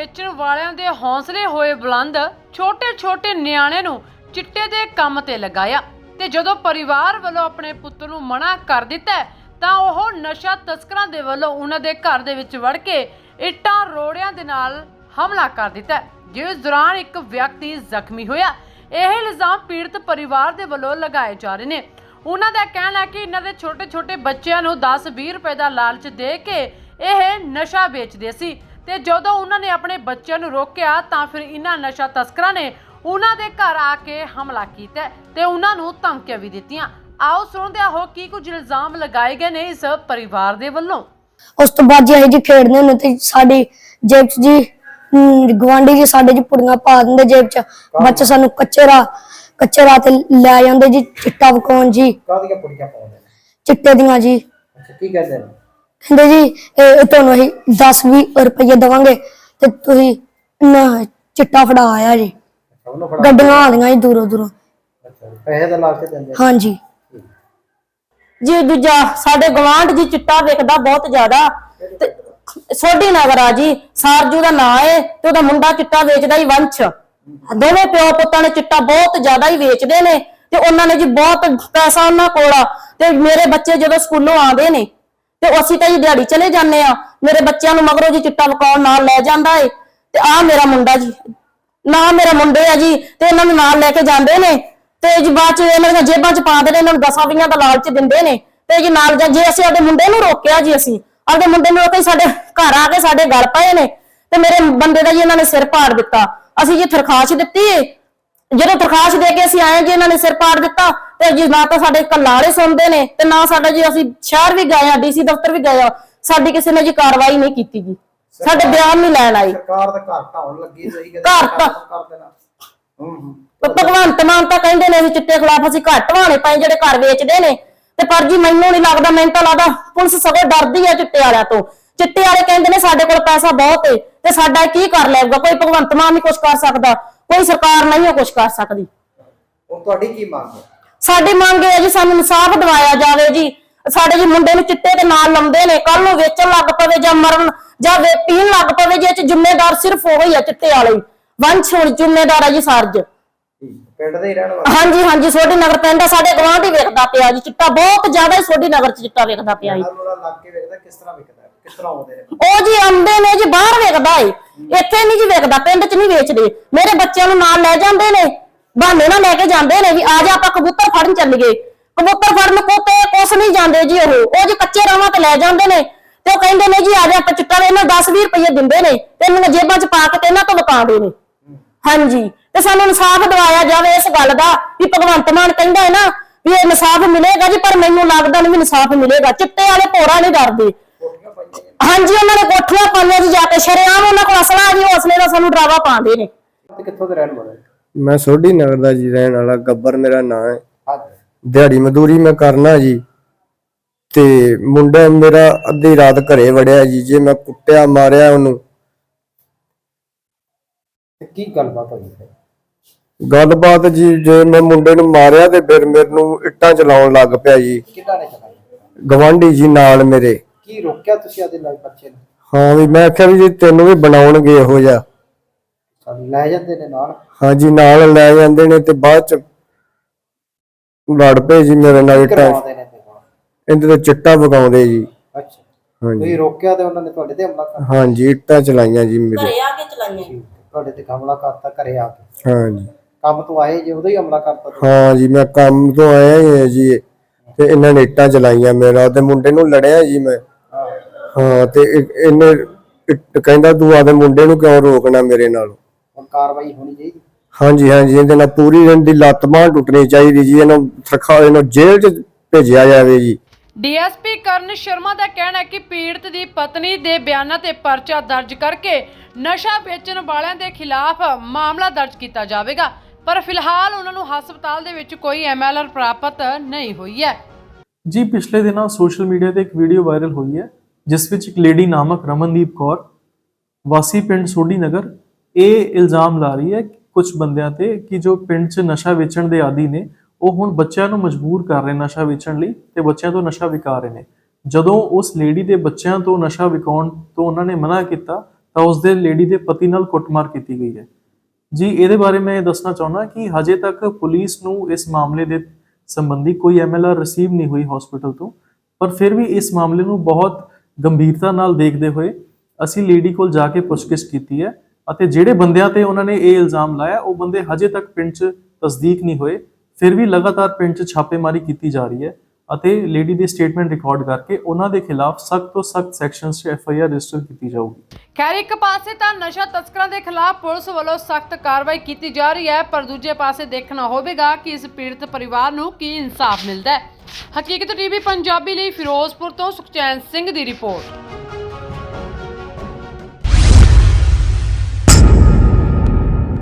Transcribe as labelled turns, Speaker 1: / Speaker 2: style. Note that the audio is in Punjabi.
Speaker 1: ਵੇਚਣ ਵਾਲਿਆਂ ਦੇ ਹੌਸਲੇ ਹੋਏ ਬੁਲੰਦ। ਛੋਟੇ ਨਿਆਣੇ ਨੂੰ ਚਿੱਟੇ ਦੇ ਕੰਮ ਤੇ ਲਗਾਇਆ ਤੇ ਜਦੋਂ ਪਰਿਵਾਰ ਵੱਲੋਂ ਆਪਣੇ ਪੁੱਤ ਨੂੰ ਮਨਾ ਕਰ ਦਿੱਤਾ ਤਾਂ ਉਹ ਨਸ਼ਾ ਤਸਕਰਾਂ ਦੇ ਵੱਲੋਂ ਉਹਨਾਂ ਦੇ ਘਰ ਦੇ ਵਿੱਚ ਵੜ ਕੇ ਇੱਟਾਂ ਰੋੜਿਆਂ ਦੇ ਨਾਲ ਹਮਲਾ ਕਰ ਦਿੱਤਾ, ਜਿਸ ਦੌਰਾਨ ਇੱਕ ਵਿਅਕਤੀ ਜ਼ਖਮੀ ਹੋਇਆ। ਇਹ ਇਲਜ਼ਾਮ ਪੀੜਤ ਪਰਿਵਾਰ ਦੇ ਵੱਲੋਂ ਲਗਾਏ ਜਾ ਰਹੇ ਨੇ। ਉਹਨਾਂ ਦਾ ਕਹਿਣਾ ਹੈ ਕਿ ਇਹਨਾਂ ਦੇ ਛੋਟੇ ਬੱਚਿਆਂ ਨੂੰ 10-20 ਰੁਪਏ ਦਾ ਲਾਲਚ ਦੇ ਕੇ ਇਹ ਨਸ਼ਾ ਵੇਚਦੇ ਸੀ ਤੇ ਜਦੋਂ ਉਹਨਾਂ ਨੇ ਆਪਣੇ ਬੱਚਿਆਂ ਨੂੰ ਰੋਕਿਆ ਤਾਂ ਫਿਰ ਇਹਨਾਂ ਨਸ਼ਾ ਤਸਕਰਾਂ ਨੇ ਉਹਨਾਂ ਦੇ ਘਰ ਆ ਕੇ ਹਮਲਾ ਕੀਤਾ ਤੇ ਉਹਨਾਂ ਨੂੰ ਧਮਕੀਆਂ ਵੀ ਦਿੱਤੀਆਂ। ਆਓ ਸੁਣਦੇ ਹਾਂ ਕੀ ਕੁਝ ਇਲਜ਼ਾਮ ਲਗਾਏ ਗਏ ਨੇ ਇਸ ਪਰਿਵਾਰ ਦੇ ਵੱਲੋਂ।
Speaker 2: ਉਸ ਤੋਂ ਬਾਅਦ ਜੀ ਖੇਡਦੇ ਹੁੰਦੇ ਤੇ ਸਾਡੀ ਜੇਬ 'ਚ ਜੀ ਗਵਾਂਢੀ ਜੀ ਸਾਡੇ ਜੀ ਪੁੜੀਆਂ ਪਾ ਦਿੰਦੇ ਜੇਬ 'ਚ। ਬੱਚੇ ਸਾਨੂੰ ਕੱਚੇ ਰਾਹ ਤੇ ਲੈ ਜਾਂਦੇ ਜੀ ਚਿੱਟਾ ਵਿਕਾਉਣ ਜੀ।
Speaker 3: ਕਾਹਦੀਆਂ ਪੁੜੀਆਂ ਪਾਉਂਦੇ ਨੇ?
Speaker 2: ਚਿੱਟੇ ਦੀਆਂ ਜੀ।
Speaker 3: ਅੱਛਾ, ਕੀ ਕਹਿੰਦੇ ਨੇ?
Speaker 2: ਕਹਿੰਦੇ ਜੀ ਇਹ ਤੁਹਾਨੂੰ ਅਸੀਂ 10-20 ਰੁਪਏ ਦੇਵਾਂਗੇ ਤੇ ਤੁਸੀਂ ਚਿੱਟਾ ਫੜਾ ਆਇਆ ਜੀ।
Speaker 3: ਉਹਨੂੰ ਫੜਾ
Speaker 2: ਗੱਡੀਆਂ ਆਉਂਦੀਆਂ ਜੀ ਦੂਰੋਂ।
Speaker 3: ਅੱਛਾ, ਪੈਸੇ ਦਾ ਲਾਲਚ ਦਿੰਦੇ?
Speaker 2: ਹਾਂਜੀ
Speaker 4: ਜੀ। ਦੂਜਾ ਸਾਡੇ ਗਵਾਂਢ ਜੀ ਚਿੱਟਾ ਵੇਚਦਾ ਬਹੁਤ ਜ਼ਿਆਦਾ ਤੇ ਸੋਢੀ ਨਗਰ ਆ ਜੀ। ਸਾਰਜੂ ਦਾ ਨਾਂ ਹੈ ਤੇ ਉਹਦਾ ਮੁੰਡਾ ਚਿੱਟਾ ਵੇਚਦਾ ਹੀ ਵੰਸ਼। ਦੋਵੇਂ ਪਿਓ ਪੁੱਤਾਂ ਨੇ ਚਿੱਟਾ ਬਹੁਤ ਜ਼ਿਆਦਾ ਹੀ ਵੇਚਦੇ ਨੇ ਤੇ ਉਹਨਾਂ ਨੇ ਜੀ ਬਹੁਤ ਪੈਸਾ ਉਹਨਾਂ ਕੋਲ ਆ। ਤੇ ਮੇਰੇ ਬੱਚੇ ਜਦੋਂ ਸਕੂਲੋਂ ਆਉਂਦੇ ਨੇ ਤੇ ਅਸੀਂ ਤਾਂ ਜੀ ਦਿਹਾੜੀ ਚਲੇ ਜਾਂਦੇ ਆ। ਮੇਰੇ ਬੱਚਿਆਂ ਨੂੰ ਮਗਰੋਂ ਜੀ ਚਿੱਟਾ ਵਿਕਾਉਣ ਨਾਲ ਲੈ ਜਾਂਦਾ ਏ। ਤੇ ਆ ਮੇਰਾ ਮੁੰਡਾ ਜੀ, ਨਾ ਮੇਰਾ ਮੁੰਡੇ ਆ ਜੀ, ਤੇ ਇਹਨਾਂ ਨੂੰ ਨਾਲ ਲੈ ਕੇ ਜਾਂਦੇ ਨੇ ਤੇ ਜੀ ਬਾਅਦ ਚ ਇਹਨਾਂ ਦੀਆਂ ਜੇਬਾਂ ਚ ਪਾਉਂਦੇ ਨੇ, ਇਹਨਾਂ ਨੂੰ 10-20 ਦਾ ਲਾਲਚ ਦਿੰਦੇ ਨੇ ਤੇ ਜੀ ਨਾਲ ਜੇ ਅਸੀਂ ਆਪਣੇ ਮੁੰਡੇ ਨੂੰ ਰੋਕਿਆ ਜੀ, ਅਸੀਂ ਆਪਣੇ ਮੁੰਡੇ ਨੂੰ ਰੋਕੇ ਸਾਡੇ ਘਰ ਆ ਕੇ ਸਾਡੇ ਗਲ ਪਏ ਨੇ ਤੇ ਮੇਰੇ ਬੰਦੇ ਦਾ ਜੀ ਇਹਨਾਂ ਨੇ ਸਿਰ ਪਾੜ ਦਿੱਤਾ। ਅਸੀਂ ਜੀ ਦਰਖਾਸਤ ਦਿੱਤੀ ਏ। ਜਦੋਂ ਦਰਖਾਸਤ ਦੇ ਕੇ ਅਸੀਂ ਆਏ ਜੀ ਇਹਨਾਂ ਨੇ ਸਿਰ ਪਾੜ ਦਿੱਤਾ ਤੇ ਜੀ ਨਾ ਤਾਂ ਸਾਡੇ ਕੱਲਾੜੇ ਸੁਣਦੇ ਨੇ ਤੇ ਨਾ ਸਾਡਾ ਜੀ, ਅਸੀਂ ਸ਼ਹਿਰ ਵੀ ਗਏ ਆ, ਡੀਸੀ ਦਫ਼ਤਰ ਵੀ ਗਏ ਆ, ਸਾਡੀ ਕਿਸੇ ਨੇ ਜੀ ਕਾਰਵਾਈ ਨਹੀਂ ਕੀਤੀ ਜੀ, ਸਾਡੇ ਬਿਆਨ ਨਹੀਂ ਲੈਣ ਆਈ।
Speaker 3: ਸਰਕਾਰ ਦਾ ਘਰ ਢਾਉਣ ਲੱਗੀ ਸਹੀ
Speaker 4: ਘਰ ਤਾਂ
Speaker 3: ਕਰ ਦੇਣਾ।
Speaker 4: ਭਗਵੰਤ ਮਾਨ ਤਾਂ ਕਹਿੰਦੇ ਨੇ ਅਸੀਂ ਚਿੱਟੇ ਖਿਲਾਫ ਅਸੀਂ ਘਰ ਢਵਾਣੇ ਪਏ ਜਿਹੜੇ ਘਰ ਵੇਚਦੇ ਨੇ ਤੇ ਪਰ ਜੀ ਮੈਨੂੰ ਨਹੀਂ ਲੱਗਦਾ, ਮੈਨੂੰ ਤਾਂ ਲੱਗਦਾ ਪੁਲਿਸ ਸਗੋਂ ਡਰਦੀ ਆ ਚਿੱਟੇ ਵਾਲਿਆਂ ਤੋਂ। ਚਿੱਟੇ ਵਾਲੇ ਕਹਿੰਦੇ ਨੇ ਸਾਡੇ ਕੋਲ ਪੈਸਾ ਬਹੁਤ ਏ ਤੇ ਸਾਡਾ ਕੀ ਕਰ ਲੈਗਾ। ਕੋਈ ਭਗਵੰਤ ਮਾਨ ਨਹੀਂ ਕੁਝ ਕਰ ਸਕਦਾ, ਕੋਈ ਸਰਕਾਰ ਨਹੀਂ ਕੁਝ ਕਰ ਸਕਦੀ।
Speaker 3: ਹੁਣ ਤੁਹਾਡੀ ਕੀ ਮੰਗ ਹੈ?
Speaker 4: ਸਾਡੀ ਮੰਗ ਹੈ ਜੀ ਸਾਨੂੰ ਇਨਸਾਫ ਦਿਵਾਇਆ ਜਾਵੇ ਜੀ। ਸਾਡੇ ਜੀ ਮੁੰਡੇ ਨੂੰ ਚਿੱਟੇ ਦੇ ਨਾਲ ਲਾਉਂਦੇ ਨੇ, ਕੱਲ ਨੂੰ ਵੇਚਣ ਲੱਗ ਪਵੇ ਜਾਂ ਮਰਨ ਜਾਂ ਪੀਣ ਲੱਗ ਪਵੇ ਜੀ, ਇਹ ਚ ਜ਼ਿੰਮੇਦਾਰ ਸਿਰਫ ਉਹ ਹੀ ਆ ਚਿੱਟੇ ਵਾਲੇ। ਵੰਸ਼ ਹੁਣ ਜ਼ਿੰਮੇਦਾਰ ਆ ਜੀ ਸਾਰਜ।
Speaker 3: ਪਿੰਡ ਦੇ ਹੀ ਰਹਿਣ ਵਾਲੇ?
Speaker 4: ਹਾਂਜੀ ਸੋਢੀ ਨਗਰ ਪਿੰਡ ਆ, ਸਾਡੇ ਗਵਾਂਢ ਹੀ ਵੇਖਦਾ ਪਿਆ ਜੀ ਚਿੱਟਾ, ਬਹੁਤ ਜ਼ਿਆਦਾ ਹੀ ਸੋਢੀ ਨਗਰ ਚ ਚਿੱਟਾ ਵੇਖਦਾ ਪਿਆ ਜੀ।
Speaker 3: ਲੱਗ ਕੇ ਵੇਖਦਾ ਕਿਸ ਤਰ੍ਹਾਂ ਵੇਖਦਾ, ਕਿਸ ਤਰ੍ਹਾਂ ਆਉਂਦੇ ਨੇ?
Speaker 4: ਉਹ ਜੀ ਆਉਂਦੇ ਨੇ ਜੀ, ਬਾਹਰ ਵੇਖਦਾ ਏ, ਇੱਥੇ ਨਹੀਂ ਜੀ ਵੇਖਦਾ, ਪਿੰਡ ਚ ਨਹੀਂ ਵੇਚਦੇ। ਮੇਰੇ ਬੱਚਿਆਂ ਨੂੰ ਨਾਲ ਲੈ ਜਾਂਦੇ ਨੇ, ਬਹਾਨੇ ਨਾਲ ਲੈ ਕੇ ਜਾਂਦੇ ਨੇ ਵੀ ਆ ਜਾ ਆਪਾਂ ਕਬੂਤਰ ਫੜਨ ਚੱਲੀਏ। ਕਬੂਤਰ ਫੜਨ ਕੁਛ ਨਹੀਂ ਜਾਂਦੇ ਜੀ, ਉਹ ਜੀ ਕੱਚੇ ਰਾਵਾਂ ਤੇ ਲੈ ਜਾਂਦੇ ਨੇ ਤੇ ਉਹ ਕਹਿੰਦੇ ਨੇ ਜੀ ਆ ਜਾ ਆਪਾਂ ਚਿੱਟਾ, ਇਹਨਾਂ 10-20 ਰੁਪਏ ਦਿੰਦੇ ਨੇ ਤੇ ਇਹਨਾਂ ਜੇਬਾਂ ਚ ਪਾ ਕੇ ਤੇ ਇਹਨਾਂ ਤੋਂ ਵਿਕਾਉਂਦੇ ਨੇ। ਹਾਂਜੀ, ਤੇ ਸਾਨੂੰ ਇਨਸਾਫ ਦਿਵਾਇਆ ਜਾਵੇ ਇਸ ਗੱਲ ਦਾ ਵੀ ਭਗਵੰਤ ਮਾਨ ਕਹਿੰਦਾ ਹੈ ਨਾ ਵੀ ਇਹ ਇਨਸਾਫ ਮਿਲੇਗਾ ਜੀ, ਪਰ ਮੈਨੂੰ ਲੱਗਦਾ ਨਹੀਂ ਵੀ ਇਨਸਾਫ ਮਿਲੇਗਾ। ਚਿੱਟੇ ਵਾਲੇ ਭੋਰਾ ਨਹੀਂ ਡਰਦੇ। ਹਾਂਜੀ, ਉਹਨਾਂ ਨੇ ਕੋਠੀਆਂ ਪਾਈਆਂ ਜੀ, ਜਾ ਕੇ ਸ਼ਰੇਆਮ ਉਹਨਾਂ ਕੋਲ ਅਸਲਾ ਜੀ, ਉਹ ਅਸਲੇ ਦਾ ਸਾਨੂੰ ਡਰਾਵਾ ਪਾਉਂਦੇ ਨੇ।
Speaker 3: ਕਿੱਥੋਂ ਦੇ ਰਹਿਣ ਵਾਲੇ?
Speaker 5: ਮੈਂ ਸੋਢੀ ਨਗਰ ਦਾ ਜੀ ਰਹਿਣ ਵਾਲਾ, ਗੱਬਰ ਮੇਰਾ ਨਾਂ ਹੈ।
Speaker 3: ਹਾਂਜੀ।
Speaker 5: ਦਿਹਾੜੀ ਮਜ਼ਦੂਰੀ ਮੈਂ ਕਰਨਾ ਜੀ ਤੇ ਮੁੰਡਾ ਮੇਰਾ ਅੱਧੀ ਰਾਤ ਘਰੇ ਵੜਿਆ ਜੀ। ਜੇ ਮੈਂ ਕੁੱਟਿਆ ਮਾਰਿਆ ਉਹਨੂੰ।
Speaker 3: ਕੀ ਗੱਲਬਾਤ ਹੋਈ ਹੈ?
Speaker 5: ਗੱਲਬਾਤ ਜੀ, ਜੇ ਮੈਂ ਮੁੰਡੇ ਨੂੰ ਮਾਰਿਆ ਤੇ ਫਿਰ ਮੈਨੂੰ ਇੱਟਾਂ ਚਲਾਉਣ ਲੱਗ ਪਿਆ ਜੀ।
Speaker 3: ਕਿਹਨਾਂ ਨੇ ਚਲਾਈ?
Speaker 5: ਗਵਾਂਢੀ ਜੀ ਨਾਲ ਮੇਰੇ।
Speaker 3: ਕੀ ਰੋਕਿਆ ਤੁਸੀਂ ਆਦੇ ਨਾਲ ਬੱਚੇ ਨੂੰ?
Speaker 5: ਹਾਂ ਵੀ ਮੈਂ ਆਖਿਆ ਵੀ ਜੀ ਤੈਨੂੰ ਵੀ ਬਣਾਉਣਗੇ ਇਹੋ ਜਿਹਾ।
Speaker 3: ਸਾਨੂੰ ਲੈ ਜਾਂਦੇ ਨੇ ਨਾਲ?
Speaker 5: ਹਾਂਜੀ, ਨਾਲ ਲੈ ਜਾਂਦੇ ਨੇ ਤੇ ਬਾਅਦ ਚ ਲੜ ਪਏ ਜੀ ਮੇਰੇ ਨਾਲ। ਇੱਟਾਂ ਇਹਦੇ ਤੇ ਚਿੱਟਾ ਵਗਾਉਂਦੇ ਜੀ।
Speaker 3: ਅੱਛਾ,
Speaker 5: ਹਾਂਜੀ।
Speaker 3: ਤੁਸੀਂ ਰੋਕਿਆ ਤੇ ਉਹਨਾਂ ਨੇ ਤੁਹਾਡੇ ਤੇ ਹਮਲਾ ਕਰਤਾ?
Speaker 5: ਹਾਂਜੀ, ਇੱਟਾਂ ਚਲਾਈਆਂ ਜੀ ਮੇਰੇ।
Speaker 4: ਘਰੇ ਆ ਕੇ ਚਲਾਈਆਂ।
Speaker 3: ਤੁਹਾਡੇ ਤੇ ਹਮਲਾ ਕਰਤਾ ਘਰੇ ਆ ਕੇ?
Speaker 5: ਹਾਂਜੀ।
Speaker 3: ਕੰਮ ਤੋਂ ਆਏ ਜੇ ਉਦੋਂ ਹੀ ਹਮਲਾ ਕਰਤਾ?
Speaker 5: ਹਾਂ ਜੀ, ਮੈਂ ਕੰਮ ਤੋਂ ਆਇਆ ਹੀ ਹਾਂ ਜੀ ਤੇ ਇਹਨਾਂ ਨੇ ਇੱਟਾਂ ਚਲਾਈਆਂ ਮੇਰਾ ਤੇ ਮੁੰਡੇ ਨੂੰ ਲੜਿਆ ਜੀ ਮੈਂ। ਹਾਂ, ਤੇ ਇਹਨੇ ਕਹਿੰਦਾ ਤੂੰ ਆਦੇ ਮੁੰਡੇ ਨੂੰ ਕਿਉਂ ਰੋਕਣਾ ਮੇਰੇ ਨਾਲ।
Speaker 3: ਹੁਣ ਕਾਰਵਾਈ ਹੋਣੀ ਚਾਹੀਦੀ?
Speaker 5: ਹਾਂਜੀ, ਇਹਦੇ ਨਾਲ ਪੂਰੀ ਇਹਦੀ ਲੱਤ ਬਾਂਹ ਟੁੱਟਣੀ ਚਾਹੀਦੀ ਜੀ। ਇਹਨੂੰ ਜੇਲ੍ਹ 'ਚ ਭੇਜਿਆ ਜਾਵੇ ਜੀ।
Speaker 1: ਡੀਐਸਪੀ ਕਰਨ ਸ਼ਰਮਾ ਦਾ ਕਹਿਣਾ ਹੈ ਕਿ ਪੀੜਤ ਦੀ ਪਤਨੀ ਦੇ ਬਿਆਨਾਂ ਤੇ ਪਰਚਾ ਦਰਜ ਕਰਕੇ ਨਸ਼ਾ ਵੇਚਣ ਵਾਲਿਆਂ ਦੇ ਖਿਲਾਫ ਮਾਮਲਾ ਦਰਜ ਕੀਤਾ ਜਾਵੇਗਾ, ਪਰ ਫਿਲਹਾਲ ਉਹਨਾਂ ਨੂੰ ਹਸਪਤਾਲ ਦੇ ਵਿੱਚ ਕੋਈ ਐਮਐਲਆਰ ਪ੍ਰਾਪਤ ਨਹੀਂ ਹੋਈ ਹੈ।
Speaker 6: ਜੀ, ਪਿਛਲੇ ਦਿਨਾਂ ਸੋਸ਼ਲ ਮੀਡੀਆ ਤੇ ਇੱਕ ਵੀਡੀਓ ਵਾਇਰਲ ਹੋਈ ਹੈ ਜਿਸ ਵਿੱਚ ਇੱਕ ਲੇਡੀ ਨਾਮਕ ਰਮਨਦੀਪ ਕੌਰ ਵਾਸੀ ਪਿੰਡ ਸੋਢੀ ਨਗਰ ਇਹ ਇਲਜ਼ਾਮ ਲਾ ਰਹੀ ਹੈ ਕੁਝ ਬੰਦਿਆਂ ਤੇ ਕਿ ਜੋ ਪਿੰਡ 'ਚ ਨਸ਼ਾ ਵੇਚਣ ਦੇ ਆਦੀ ਨੇ ਉਹ ਹੁਣ ਬੱਚਿਆਂ ਨੂੰ ਮਜਬੂਰ ਕਰ ਰਹੇ ਨਸ਼ਾ ਵੇਚਣ ਲਈ ਤੇ ਬੱਚਿਆਂ ਤੋਂ ਨਸ਼ਾ ਵਿਕਾ ਰਹੇ ਨੇ। ਜਦੋਂ ਉਸ ਲੇਡੀ ਦੇ ਬੱਚਿਆਂ ਤੋਂ ਨਸ਼ਾ ਵਿਕਾਉਣ ਤੋਂ ਉਹਨਾਂ ਨੇ ਮਨਾ ਕੀਤਾ ਤਾਂ ਉਸਦੇ ਲੇਡੀ ਦੇ ਪਤੀ ਨਾਲ ਕੁੱਟਮਾਰ ਕੀਤੀ ਗਈ ਹੈ ਜੀ। ਇਹਦੇ ਬਾਰੇ ਮੈਂ ਇਹ ਦੱਸਣਾ ਚਾਹੁੰਦਾ ਕਿ ਹਜੇ ਤੱਕ ਪੁਲਿਸ ਨੂੰ ਇਸ ਮਾਮਲੇ ਦੇ ਸੰਬੰਧੀ ਕੋਈ MLR ਰਿਸੀਵ ਨਹੀਂ ਹੋਈ ਹਸਪੀਟਲ ਤੋਂ, ਪਰ ਫਿਰ ਵੀ ਇਸ ਮਾਮਲੇ ਨੂੰ ਬਹੁਤ ਗੰਭੀਰਤਾ ਨਾਲ ਦੇਖਦੇ ਹੋਏ ਅਸੀਂ ਲੇਡੀ ਕੋਲ ਜਾ ਕੇ ਪੁੱਛਗਿੱਛ ਕੀਤੀ ਹੈ ਅਤੇ ਜਿਹੜੇ ਬੰਦਿਆਂ ਤੇ ਉਹਨਾਂ ਨੇ ਇਹ ਇਲਜ਼ਾਮ ਲਾਇਆ ਉਹ ਬੰਦੇ ਹਜੇ ਤੱਕ ਪਿੰਡ 'ਚ ਤਸਦੀਕ ਨਹੀਂ ਹੋਏ। ਫਿਰ ਵੀ ਲਗਾਤਾਰ ਪਿੰਡ 'ਚ ਛਾਪੇਮਾਰੀ ਕੀਤੀ ਜਾ ਰਹੀ ਹੈ ਅਤੇ ਲੇਡੀ ਦੀ ਸਟੇਟਮੈਂਟ ਰਿਕਾਰਡ ਕਰਕੇ ਉਹਨਾਂ ਦੇ ਖਿਲਾਫ ਸਖਤ ਤੋਂ ਸਖਤ ਸੈਕਸ਼ਨਸ 'ਚ FIR ਰਜਿਸਟਰ ਕੀਤੀ ਜਾਊਗੀ।
Speaker 1: ਖੈਰ ਇੱਕ ਪਾਸੇ ਤਾਂ ਨਸ਼ਾ ਤਸਕਰਾਂ ਦੇ ਖਿਲਾਫ ਪੁਲਿਸ ਵੱਲੋਂ ਸਖਤ ਕਾਰਵਾਈ ਕੀਤੀ ਜਾ ਰਹੀ ਹੈ, ਪਰ ਦੂਜੇ ਪਾਸੇ ਦੇਖਣਾ ਹੋਵੇਗਾ ਕਿ ਇਸ ਪੀੜਤ ਪਰਿਵਾਰ ਨੂੰ ਕੀ ਇਨਸਾਫ ਮਿਲਦਾ ਹੈ। ਹਕੀਕਤ TV ਪੰਜਾਬੀ ਲਈ ਫਿਰੋਜ਼ਪੁਰ ਤੋਂ ਸੁਖਚੈਨ ਸਿੰਘ ਦੀ ਰਿਪੋਰਟ।